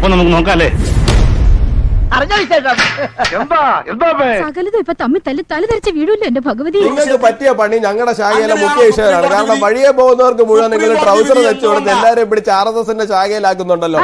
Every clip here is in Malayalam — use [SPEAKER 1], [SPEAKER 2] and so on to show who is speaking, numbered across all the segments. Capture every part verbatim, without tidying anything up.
[SPEAKER 1] അപ്പൊ നമുക്ക് നോക്കാം അല്ലേ?
[SPEAKER 2] സകലതും ഇപ്പൊ തമ്മിൽ തല്ലി തലതെറിച്ച് വീടില്ല എന്റെ ഭഗവതി.
[SPEAKER 3] നിങ്ങൾക്ക് പറ്റിയ പണി ഞങ്ങളുടെ ശാഖയിലെ മുഖ്യ വിഷയമാണ്. കാരണം വഴിയെ പോകുന്നവർക്ക് മുഴുവൻ നിങ്ങൾ ട്രൗസർ വെച്ചു കൊടുത്ത് എല്ലാവരെയും പിടിച്ച് ആർ എസ് എസിന്റെ ശാഖയിലാക്കുന്നുണ്ടല്ലോ.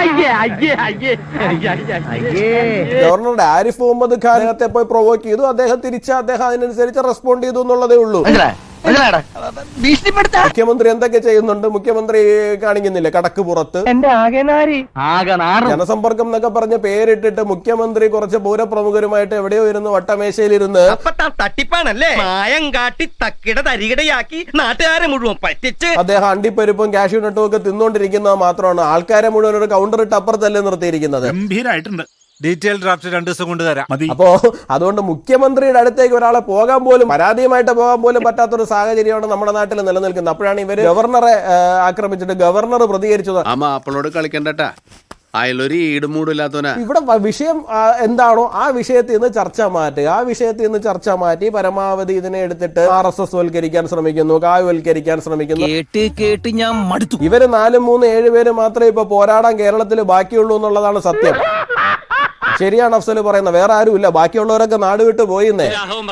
[SPEAKER 3] ഗവർണറുടെ ആരിഫ് മുഹമ്മദ് ഖാൻ അദ്ദേഹത്തെ പോയി പ്രൊവോക്ക് ചെയ്തു. അദ്ദേഹം തിരിച്ച് അദ്ദേഹം അതിനനുസരിച്ച് റെസ്പോണ്ട് ചെയ്തു എന്നുള്ളതേ ഉള്ളൂ. മുഖ്യമന്ത്രി എന്തൊക്കെ ചെയ്യുന്നുണ്ട്? മുഖ്യമന്ത്രി കാണിക്കുന്നില്ലേ കടക്ക് പുറത്ത് ജനസമ്പർക്കം എന്നൊക്കെ പറഞ്ഞ് പേരിട്ടിട്ട് മുഖ്യമന്ത്രി കുറച്ച് പൂരപ്രമുഖരുമായിട്ട് എവിടെയോ ഇരുന്ന് വട്ടമേശയിലിരുന്ന്
[SPEAKER 4] തട്ടിപ്പാണല്ലേ മായം കാട്ടി തക്കിട തരികിടയാക്കി നാട്ടുകാരെ മുഴുവൻ പറ്റിച്ച്
[SPEAKER 3] അദ്ദേഹം അണ്ടിപ്പരിപ്പും കാഷ്യൂ നട്ടും ഒക്കെ തിന്നോണ്ടിരിക്കുന്നത് മാത്രമാണ്. ആൾക്കാരെ മുഴുവൻ ഒരു കൗണ്ടർ ഇട്ട് അപ്പുറത്തല്ലേ നിർത്തിയിരിക്കുന്നത്.
[SPEAKER 1] ഗംഭീരായിട്ടുണ്ട്.
[SPEAKER 5] ഡീറ്റെയിൽ ഡ്രാഫ്റ്റ് രണ്ടു ദിവസം കൊണ്ട് തരാം.
[SPEAKER 3] അപ്പോ അതുകൊണ്ട് മുഖ്യമന്ത്രിയുടെ അടുത്തേക്ക് ഒരാളെ പോകാൻ പോലും പരാതിയുമായിട്ട് പോകാൻ പോലും പറ്റാത്തൊരു സാഹചര്യമാണ് നമ്മുടെ നാട്ടിൽ നിലനിൽക്കുന്നത്. അപ്പോഴാണ് ഇവര് ഗവർണറെ ആക്രമിച്ചിട്ട് ഗവർണർ പ്രതികരിച്ചത്.
[SPEAKER 6] അപ്പോളോട് കളിക്കണ്ടട്ടാ, അയാളൊരു ഈടുമൂടില്ലാത്തവനാ.
[SPEAKER 3] ഇവിടെ വിഷയം എന്താണോ ആ വിഷയത്തിൽ നിന്ന് ചർച്ച മാറ്റുക. ആ വിഷയത്തിൽ നിന്ന് ചർച്ച മാറ്റി പരമാവധി ഇതിനെ എടുത്തിട്ട് ആർ എസ് എസ് വൽക്കരിക്കാൻ ശ്രമിക്കുന്നു, കായ്വൽക്കരിക്കാൻ ശ്രമിക്കുന്നു.
[SPEAKER 4] കേട്ട് കേട്ട് ഞാൻ മടുത്തു.
[SPEAKER 3] ഇവര് നാലും മൂന്ന് ഏഴ് പേര് മാത്രമേ ഇപ്പൊ പോരാടാൻ കേരളത്തിൽ ബാക്കിയുള്ളൂ എന്നുള്ളതാണ് സത്യം. ശരിയാണ് അഫ്സൽ പറയുന്നത്, വേറെ ആരും ഇല്ല, ബാക്കിയുള്ളവരൊക്കെ നാട് വിട്ട് പോയിന്നേ.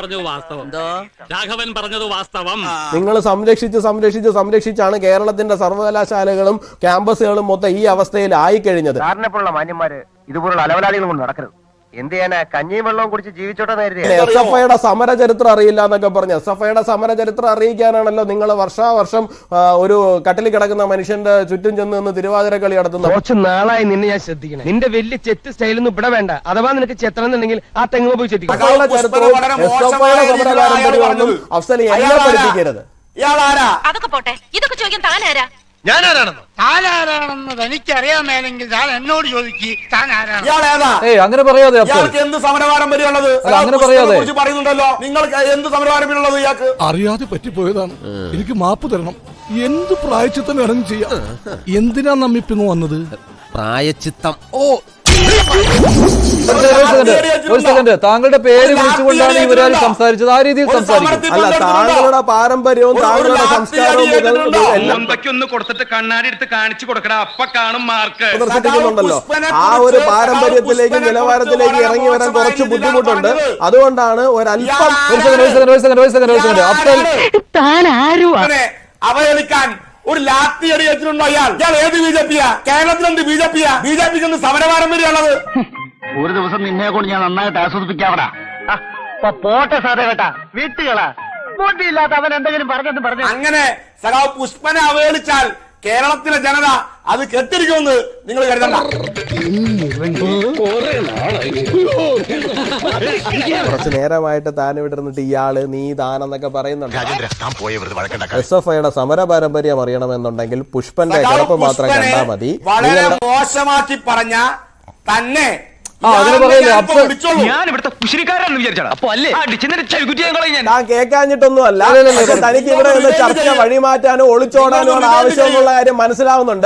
[SPEAKER 3] നിങ്ങൾ സംരക്ഷിച്ച് സംരക്ഷിച്ച് സംരക്ഷിച്ചാണ് കേരളത്തിന്റെ സർവകലാശാലകളും ക്യാമ്പസുകളും മൊത്തം ഈ അവസ്ഥയിൽ ആയിക്കഴിഞ്ഞത്.
[SPEAKER 7] മാന്യന്മാര് ഇതുപോലുള്ള അലവലാദികൾ കൊണ്ട് നടക്കരുത്. എന്ത് ചെയ്യാനാ, കഞ്ഞിയും വെള്ളവും കുടിച്ച് ജീവിച്ചോട്ടെ.
[SPEAKER 3] എസ് എഫ് ഐയുടെ സമര ചരിത്രം അറിയില്ല എന്നൊക്കെ പറഞ്ഞു. എസ് എഫ് ഐയുടെ സമര ചരിത്രം അറിയിക്കാനാണല്ലോ നിങ്ങൾ വർഷാവർഷം ഒരു കട്ടിൽ കിടക്കുന്ന മനുഷ്യന്റെ ചുറ്റും ചെന്ന് നിന്ന് തിരുവാതിര കളി നടത്തുന്നത്.
[SPEAKER 7] കുറച്ച് നാളായി നിന്നെ ഞാൻ ശ്രദ്ധിക്കണം. നിന്റെ വലിയ ചെത്ത് സ്റ്റൈലൊന്നും ഇവിടെ വേണ്ട. അഥവാ നിനക്ക് ചെത്തണമെന്നുണ്ടെങ്കിൽ ആ തെങ്ങ് പോയി ചെത്തിക്കും.
[SPEAKER 3] ചരിത്രവും എസ് എഫ് ഐയുടെ സമര പാരമ്പര്യമൊന്നും അഫ്സൽ എന്നെ പഠിപ്പിക്കരുത്.
[SPEAKER 2] അതൊക്കെ പോട്ടെ, ഇതൊക്കെ ചോദിക്കാൻ താനാരാ?
[SPEAKER 1] ഞാനാരാണെന്നോ?
[SPEAKER 8] താനാരാണെന്ന് തനിക്കറിയാമേലെങ്കിൽ താൻ എന്നോട് ചോദിക്ക്. താൻ ആരാണ്?
[SPEAKER 5] അങ്ങനെ പറയാതെ
[SPEAKER 1] എന്ത് സമരപാരമ്പര്യമുള്ളത്
[SPEAKER 5] അങ്ങനെ പറയാതെ
[SPEAKER 1] പറയുന്നുണ്ടല്ലോ. നിങ്ങൾക്ക് എന്ത് സമരപാരമ്പര്യമുള്ളത്? ഇയാൾക്ക്
[SPEAKER 9] അറിയാതെ പറ്റിപ്പോയതാണ്, എനിക്ക് മാപ്പ് തരണം. എന്ത് പ്രായച്ചിത്തം വേണമെങ്കിലും ചെയ്യാം. എന്തിനാ നമ്മിപ്പിന്ന് വന്നത്?
[SPEAKER 4] പ്രായച്ചിത്തം. ഓ
[SPEAKER 5] ഒരു സെക്കൻഡ്, താങ്കളുടെ പേര് വിളിച്ചുകൊണ്ടാണ് ഇവരാൽ സംസാരിച്ചത്. ആ രീതിയിൽ സംസാരിക്കും.
[SPEAKER 3] അല്ല, താങ്കളുടെ പാരമ്പര്യവും താങ്കളുടെ സംസ്കാരവും
[SPEAKER 4] ഒന്ന് കൊടുത്തിട്ട് കണ്ണാടി എടുത്ത് കാണിച്ചു കൊടുക്കണ അപ്പ കാണും മാർക്ക്
[SPEAKER 3] പ്രദർശിപ്പിക്കുന്നുണ്ടല്ലോ. ആ ഒരു പാരമ്പര്യത്തിലേക്ക് നിലവാരത്തിലേക്ക് ഇറങ്ങി വരാൻ കുറച്ച് ബുദ്ധിമുട്ടുണ്ട്. അതുകൊണ്ടാണ് ഒരല്പം
[SPEAKER 1] അവഹേളിക്കാൻ ഒരു ലാത്തി അടി വെച്ചിട്ടുണ്ടോ അയാൾ? ഇയാൾ ഏത് ബി ജെ പിയാ? കേരളത്തിലെന്ത് ബി ജെ പിയാ? ബി ജെ പിക്ക് സമരപാരമ്പര്യമുള്ളത്.
[SPEAKER 8] ഒരു ദിവസം നിന്നെ കൊണ്ട് ഞാൻ നന്നായിട്ട് ആസ്വദിപ്പിക്കാവടാ. പോട്ടെ സാധേ കേട്ടാ, വീട്ടുകളാ ബോട്ടിയില്ലാത്ത അവൻ എന്തെങ്കിലും പറഞ്ഞെന്ന് പറഞ്ഞു.
[SPEAKER 1] അങ്ങനെ സഖാവ് പുഷ്പനെ അവഹേളിച്ചാൽ കേരളത്തിലെ ജനത അത് കെട്ടിരിക്കുമെന്ന് നിങ്ങൾ കരുതണ്ട.
[SPEAKER 3] കുറച്ചു നേരമായിട്ട് താൻ ഇവിടെ ഇരുന്നിട്ട് ഇയാള് നീ താനെന്നൊക്കെ പറയുന്നുണ്ട്. എസ് എഫ് ഐയുടെ സമര പാരമ്പര്യം അറിയണമെന്നുണ്ടെങ്കിൽ പുഷ്പന്റെ കിടപ്പ് മാത്രം കണ്ടാൽ മതി.
[SPEAKER 1] വളരെ മോശമാക്കി പറഞ്ഞ തന്നെ
[SPEAKER 4] ഞാൻ ഇവിടുത്തെ കുശിനിക്കാരാണെന്ന് വിചാരിച്ചാണ്. അപ്പൊ അല്ലേ
[SPEAKER 3] ഞാൻ കേൾക്കാഞ്ഞിട്ടൊന്നും അല്ല. തനിക്ക് ഇവിടെ നിന്ന് ചർച്ച വഴിമാറ്റാനോ ഒളിച്ചോടാനോ ആവശ്യം എന്നുള്ള കാര്യം മനസ്സിലാവുന്നുണ്ട്.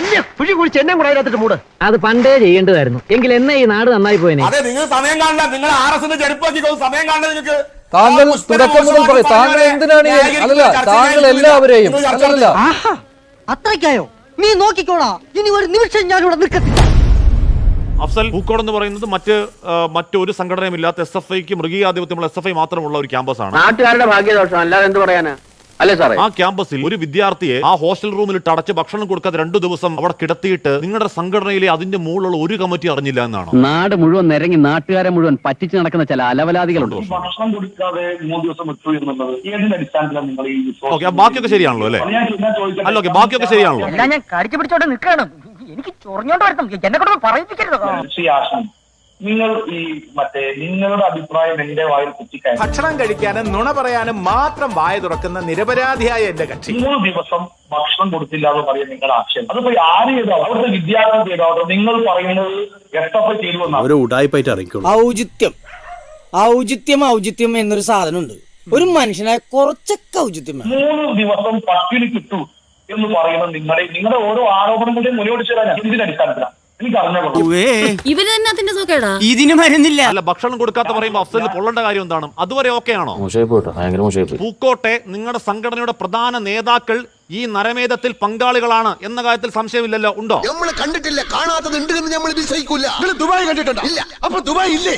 [SPEAKER 10] അത് പണ്ടേ ചെയ്യേണ്ടതായിരുന്നു. എങ്കിൽ എന്നെ ഈ നാട് നന്നായി പോയനെ.
[SPEAKER 1] അതെ, നിങ്ങൾ സമയം കാണണ്ട. നിങ്ങൾ ആർ എസ് എന്റെ ചെരുപ്പാക്കി സമയം കാണണ്ട. നിങ്ങൾക്ക്
[SPEAKER 5] താങ്കൾ തുടക്കം മുതൽ പറയും താങ്കൾ എന്തിനാണ് അല്ലല്ല താങ്കൾ എല്ലാവരെയും അല്ലല്ല
[SPEAKER 10] അത്രയ്ക്കായോ? നീ നോക്കിക്കോളാ, ഇനി ഒരു നിമിഷം ഞാനിവിടെ നിൽക്കത്തില്ല.
[SPEAKER 11] അഫ്സൽ, പൂക്കോട് എന്ന് പറയുന്നത് മറ്റ് മറ്റൊരു സംഘടനയും ഇല്ലാത്ത എസ് എഫ് ഐക്ക് മൃഗീയാധിപത്യമുള്ള എസ് എഫ് ഐ മാത്രമുള്ള ഒരു ക്യാമ്പസാണ്.
[SPEAKER 7] നാട്ടുകാരുടെ ഭാഗ്യദോഷം അല്ലാതെ എന്ത് പറയാനാ? അല്ലേ സാറേ?
[SPEAKER 11] ആ ക്യാമ്പസിൽ ഒരു വിദ്യാർത്ഥിയെ ആ ഹോസ്റ്റൽ റൂമിൽ അടച്ച് ഭക്ഷണം കൊടുക്കാതെ രണ്ടു ദിവസം അവിടെ കിടത്തിയിട്ട് നിങ്ങളുടെ സംഘടനയിലെ അതിന്റെ മുകളിലുള്ള ഒരു കമ്മിറ്റി അറിഞ്ഞില്ല എന്നാണ്.
[SPEAKER 10] നാട് മുഴുവൻ നിരങ്ങി നാട്ടുകാരെ മുഴുവൻ പറ്റിച്ചു നടക്കുന്ന ചില അലവലാദികളുണ്ട്.
[SPEAKER 8] ഭക്ഷണം കൊടുക്കാതെ മൂന്ന് ദിവസം എത്തു എന്നുള്ളത് ഏതിന്റെ അടിസ്ഥാനത്തിലാണ് നിങ്ങൾ ഈ
[SPEAKER 11] ഓക്കെ, ബാക്കിയൊക്കെ ശരിയാണല്ലോ അല്ലേ? അല്ല, ഓക്കെ, ബാക്കിയൊക്കെ ശരിയാണല്ലോ.
[SPEAKER 10] ഞാൻ കടിച്ചു പിടിച്ചോണ്ട് നിൽക്കണം. എനിക്ക് ചൊറിഞ്ഞോണ്ട് വരുത്തും, എന്നെ കൊണ്ട് പറയിപ്പിക്കരുത്.
[SPEAKER 8] നിങ്ങൾ ഈ മറ്റേ നിങ്ങളുടെ അഭിപ്രായം എന്റെ വായിൽ കുത്തിക്കാൻ
[SPEAKER 1] ഭക്ഷണം കഴിക്കാനും നുണ പറയാനും മാത്രം വായ തുറക്കുന്ന നിരപരാധിയായ എന്റെ കക്ഷി
[SPEAKER 8] മൂന്ന് ദിവസം ഭക്ഷണം കൊടുത്തില്ല എന്ന് പറയാൻ നിങ്ങളുടെ ആക്ഷേപം. അതിപ്പോ ആര് ചെയ്തോ, അവിടുത്തെ വിദ്യാർത്ഥി ചെയ്തോ, നിങ്ങൾ പറയുന്നത് എസ് എഫ് ഐ ചെയ്തു.
[SPEAKER 6] ഒരു ഉടായിപ്പായിട്ട് അറിയിക്കുള്ളൂ.
[SPEAKER 10] ഔചിത്യം ഔചിത്യം ഔചിത്യം എന്നൊരു സാധനമുണ്ട്. ഒരു മനുഷ്യനായ കുറച്ചൊക്കെ ഔചിത്യം.
[SPEAKER 8] മൂന്ന് ദിവസം പട്ടിണി കിട്ടു എന്ന് പറയുന്നത് നിങ്ങളുടെ നിങ്ങളുടെ ഓരോ ആരോപണങ്ങളുടെയും മുന്നോട്ട് ചേരാൻ എന്തിന്റെ അടിസ്ഥാനത്തിലാണ്?
[SPEAKER 1] എനിക്ക് അറിഞ്ഞോ.
[SPEAKER 2] ഇവര് തന്നെ അതിന്റെ സുഖേടാ.
[SPEAKER 10] ഇതിന് മരുന്നില്ല.
[SPEAKER 11] അല്ല, ഭക്ഷണം കൊടുക്കാത്ത പറയുമ്പോൾ അഫ്സലിന് പൊള്ളേണ്ട കാര്യം എന്താണ്? അതുവരെ ഓക്കെ ആണോ? പൂക്കോട്ടെ, നിങ്ങളുടെ സംഘടനയുടെ പ്രധാന നേതാക്കൾ ഈ നരമേധത്തിൽ പങ്കാളികളാണ് എന്ന കാര്യത്തിൽ സംശയമില്ലല്ലോ, ഉണ്ടോ?
[SPEAKER 1] നമ്മൾ കണ്ടിട്ടില്ല, കാണാത്തത് ഉണ്ട് എന്ന് നമ്മൾ വിശ്വസിക്കൂല. ദുബായ് കണ്ടിട്ടുണ്ടോ? ഇല്ല. അപ്പൊ ദുബായ് ഇല്ലേ?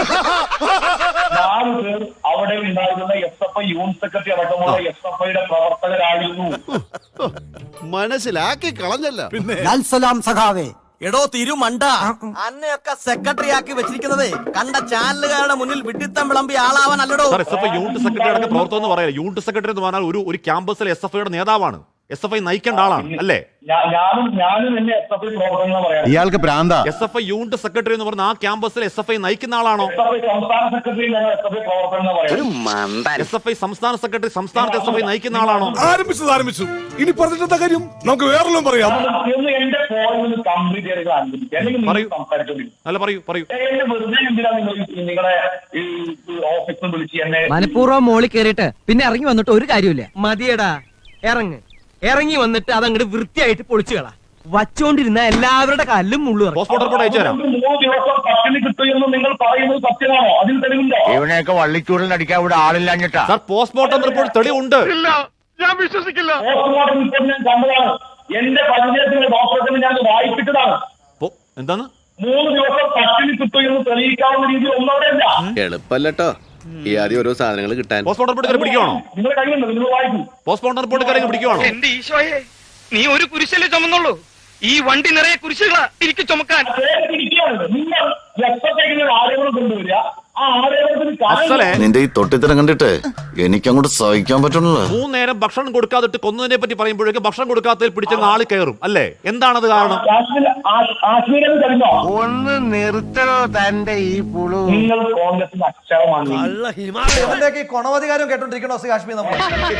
[SPEAKER 1] നാല് പേർ അവിടെ ഉണ്ടായിരുന്ന S F I unit secretary അടക്കമുള്ള എസ് എഫ് ഐയുടെ പ്രവർത്തകരായിരുന്നു.
[SPEAKER 6] മനസ്സിലാക്കി കളഞ്ഞല്ലോ.
[SPEAKER 10] സലാം സഖാവേ. എടോ തിരുമണ്ട, അന്നയൊക്കെ സെക്രട്ടറി ആക്കി വെച്ചിരിക്കുന്നത് കണ്ട ചാനലുകാരുടെ മുന്നിൽ വിഡിത്തം വിളമ്പി ആളാവാൻ അല്ലടോ.
[SPEAKER 11] S F I unit secretary അടക്കം പ്രവർത്തനം എന്ന് പറയാം. യൂണിറ്റ് സെക്രട്ടറി എന്ന് പറഞ്ഞാൽ ഒരു ഒരു ക്യാമ്പസിലെ എസ് എഫ് ഐയുടെ നേതാവാണ്, എസ് എഫ് ഐ നയിക്കേണ്ട ആളാണ് അല്ലേ?
[SPEAKER 1] ഞാനും ഞാനും എന്നെ എസ് എഫ് ഐ പ്രവർത്തനം പറയാം.
[SPEAKER 6] ഇയാൾക്ക് ഭ്രാന്ത.
[SPEAKER 11] S F I unit secretary എന്ന് പറഞ്ഞാൽ ആ ക്യാമ്പസിൽ എസ് എഫ് ഐ നയിക്കുന്ന ആളാണോ?
[SPEAKER 1] സംസ്ഥാന സെക്രട്ടറി എസ് എഫ് ഐ പ്രവർത്തനം പറയാം.
[SPEAKER 11] എസ് എഫ് ഐ സംസ്ഥാന സെക്രട്ടറി സംസ്ഥാനത്ത് എസ് എഫ് ഐ നയിക്കുന്ന ആളാണോ?
[SPEAKER 9] ആരംഭിച്ചത് ആരംഭിച്ചു. ഇനി പറഞ്ഞിട്ടെന്താ കാര്യം? നമുക്ക് വേറെല്ലാം പറയാം.
[SPEAKER 1] എന്റെ ഫോണിൽ കംപ്ലീറ്റ് ചെയ്ത് അല്ലെങ്കിൽ സംസാരിച്ചോണ്ടിരിക്കും.
[SPEAKER 11] അല്ല, പറയൂ പറയൂ.
[SPEAKER 1] എന്നെ വെറുതെ എന്തിനാ നിങ്ങൾ നിങ്ങളെ ഈ ഓഫീസിൽ വിളിച്ച് എന്നെ
[SPEAKER 7] മനഃപൂർവ്വം മോളിൽ കയറിയിട്ട് പിന്നെ ഇറങ്ങി വന്നിട്ട് ഒരു കാര്യമില്ല. മതിയടാ, ഇറങ്ങ്. ഇറങ്ങി വന്നിട്ട് അതങ്ങോട്ട് വൃത്തിയായിട്ട് പൊളിച്ചു കളാ. വച്ചോണ്ടിരുന്ന എല്ലാവരുടെ കല്ലും മുള്ളു.
[SPEAKER 11] പോസ്റ്റ്മോർട്ടം റിപ്പോർട്ട് അയച്ചു തരാം.
[SPEAKER 1] മൂന്ന് ദിവസം പട്ടിണി കിട്ടുമെന്ന് നിങ്ങൾ പറയുന്നത് സത്യമാണോ? അതിൽ തെളിവുണ്ടോ?
[SPEAKER 8] ഇവനെയൊക്കെ വള്ളിച്ചൂടിൽ അടിക്കാൻ ഇവിടെ ആളില്ലാഞ്ഞിട്ടാ.
[SPEAKER 11] സാർ, പോസ്റ്റ്മോർട്ടം റിപ്പോർട്ട് തെളിവുണ്ട്.
[SPEAKER 8] ഞാൻ വിശ്വസിക്കില്ല.
[SPEAKER 1] പോസ്റ്റ്മോർട്ടം റിപ്പോർട്ട് ഞാൻ കണ്ടതാണ്. എന്റെ പരിചയത്തിന്റെ ഡോക്ടറെ ഞാൻ വായിപ്പിച്ചതാണ്.
[SPEAKER 11] എന്താണ്?
[SPEAKER 1] മൂന്ന് ദിവസം പട്ടിണി കിട്ടുമെന്ന് തെളിയിക്കാവുന്ന രീതിയിൽ ഒന്നോടെയല്ല.
[SPEAKER 6] എളുപ്പല്ലോ ഈ ആദ്യം ഓരോ സാധനങ്ങൾ കിട്ടാൻ.
[SPEAKER 11] പോസ്റ്റ്മോർട്ടം റിപ്പോർട്ട് പിടിക്കുവാണോ?
[SPEAKER 1] നിങ്ങളുടെ കയ്യിലുണ്ട്, നിങ്ങൾ വായിക്കും.
[SPEAKER 11] പോസ്റ്റ്മോർട്ടം റിപ്പോർട്ട് കാര്യം പിടിക്കുവാണോ?
[SPEAKER 4] എന്റെ ഈശോയെ, നീ ഒരു കുരിശല്ലേ ചുമന്നുള്ളൂ? ഈ വണ്ടി നിറയെ കുരിശുകളാ എനിക്ക് ചുമക്കാൻ.
[SPEAKER 1] നിങ്ങൾ എപ്പോഴത്തേക്കും ആരോപണം കൊണ്ടുവരിക. ആ ആരോപണത്തിന്
[SPEAKER 6] നിന്റെ ഈ തൊട്ടിത്തരം കണ്ടിട്ട് എനിക്കങ്ങോട്ട് സഹിക്കാൻ പറ്റണല്ലോ.
[SPEAKER 11] മൂന്നേരം ഭക്ഷണം കൊടുക്കാതിട്ട് കൊന്നതിനെ പറ്റി പറയുമ്പോഴേക്കും ഭക്ഷണം കൊടുക്കാത്തതിൽ പിടിച്ചങ്ങ് ആള് കയറും അല്ലേ? എന്താണത് കാരണം?
[SPEAKER 1] കാശ്മീരിൽ കഴിഞ്ഞോ?
[SPEAKER 8] ഒന്ന് നിർത്തണോ തന്റെ ഈ പുളു.
[SPEAKER 1] നിങ്ങൾ കോൺഗ്രസിന്റെ അക്ഷരമാണ്.
[SPEAKER 10] കൊണവധികാരം കേട്ടോണ്ടിരിക്കണോ കാശ്മീർ? നമ്മൾ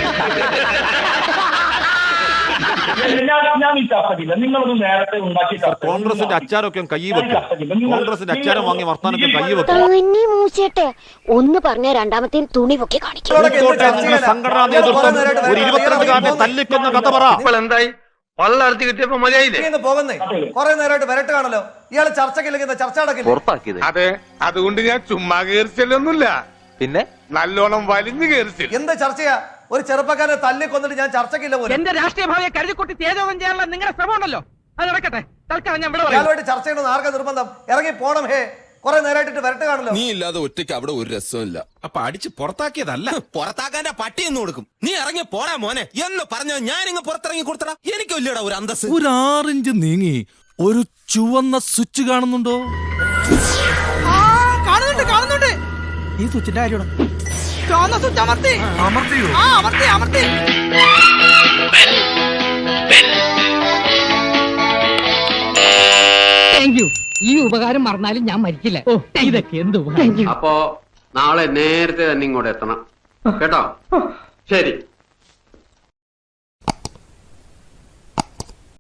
[SPEAKER 1] ഞാൻ ഈ ചർച്ചക്കില്ല. നിങ്ങളൊന്ന് നേരത്തെ ഉണ്ടാക്കി
[SPEAKER 11] കോൺഗ്രസിന്റെ അച്ചാരമൊക്കെ കൈ വെക്കും. കോൺഗ്രസിന്റെ അച്ചാരം വാങ്ങി വർത്താനൊക്കെ കൈ വെക്കും.
[SPEAKER 2] ഒന്ന് പറഞ്ഞ രണ്ടാമത്തെ തുണി പൊക്കി കാണിക്കും.
[SPEAKER 11] സംഘടനാ നേതൃത്വം ഒരു ഇരുപത്തിരണ്ടുകാരനെ തല്ലിക്കൊന്ന കഥ പറ.
[SPEAKER 4] എന്തായി? പള്ളർത്തി കിട്ടിയപ്പോ മതിയായില്ലേ?
[SPEAKER 10] പോകുന്നേ കുറെ നേരമായിട്ട് വരട്ട് കാണല്ലോ. ഇയാള് ചർച്ചക്കില്ലെങ്കിൽ ചർച്ച നടക്കില്ല.
[SPEAKER 9] അതെ, അതുകൊണ്ട് ഞാൻ ചുമ്മാ കയറിച്ചൊന്നുമില്ല, പിന്നെ നല്ലോണം വലിഞ്ഞു കയറിച്ചു.
[SPEAKER 10] എന്ത് ചർച്ചയാ? ഒരു ചെറുപ്പക്കാരനെ തല്ലി കൊന്നിട്ട് ഞാൻ ചർച്ചക്കില്ല പോലും.
[SPEAKER 7] എന്റെ രാഷ്ട്രീയ ഭാവിയെ കരുതിക്കുട്ടി തേജോധം ചെയ്യാനുള്ള നിങ്ങളുടെ ശ്രമം ഉണ്ടല്ലോ, അത് നടക്കട്ടെ. തൽക്കാലം ഞാൻ ഇവിടെ പറയാം.
[SPEAKER 10] ചർച്ച ചെയ്യണമെന്ന് ആർക്കാ നിർബന്ധം? ഇറങ്ങി പോണം. ഹേ, കുറെ നേരമായിട്ട് വരട്ട് കാണല്ലോ.
[SPEAKER 9] നീ ഇല്ലാതെ ഒറ്റയ്ക്ക് അവിടെ ഒരു രസമില്ല. അപ്പൊ അടിച്ച് പുറത്താക്കിയതല്ല, പുറത്താക്കാന്റെ പട്ടി എന്ന് കൊടുക്കും. നീ ഇറങ്ങി പോടാ മോനെ എന്ന് പറഞ്ഞ ഞാൻ ഇങ്ങ് പുറത്തിറങ്ങി കൊടുത്തടാ. എനിക്ക് വലിയടാ ഒരു അന്തസ്. ഒരു ആറിഞ്ച് നീങ്ങി ഒരു ചുവന്ന സ്വിച്ച് കാണുന്നുണ്ടോ?
[SPEAKER 10] കാണുന്നുണ്ട് കാണുന്നുണ്ട്. ഈ സ്വിച്ചിന്റെ കാര്യമാണ്. ചുവന്ന സ്വിച്ച് അമർത്തി അമർത്തിയോ? ആ അമർത്തി അമർത്തി.
[SPEAKER 7] Thank you. ഈ ഉപകാരം മറന്നാലും ഞാൻ മരിക്കില്ല. ഇതൊക്കെ എന്ത്
[SPEAKER 6] അപ്പോ നാളെ നേരത്തെ തന്നെ ഇങ്ങോട്ട് എത്തണം കേട്ടോ. ശരി.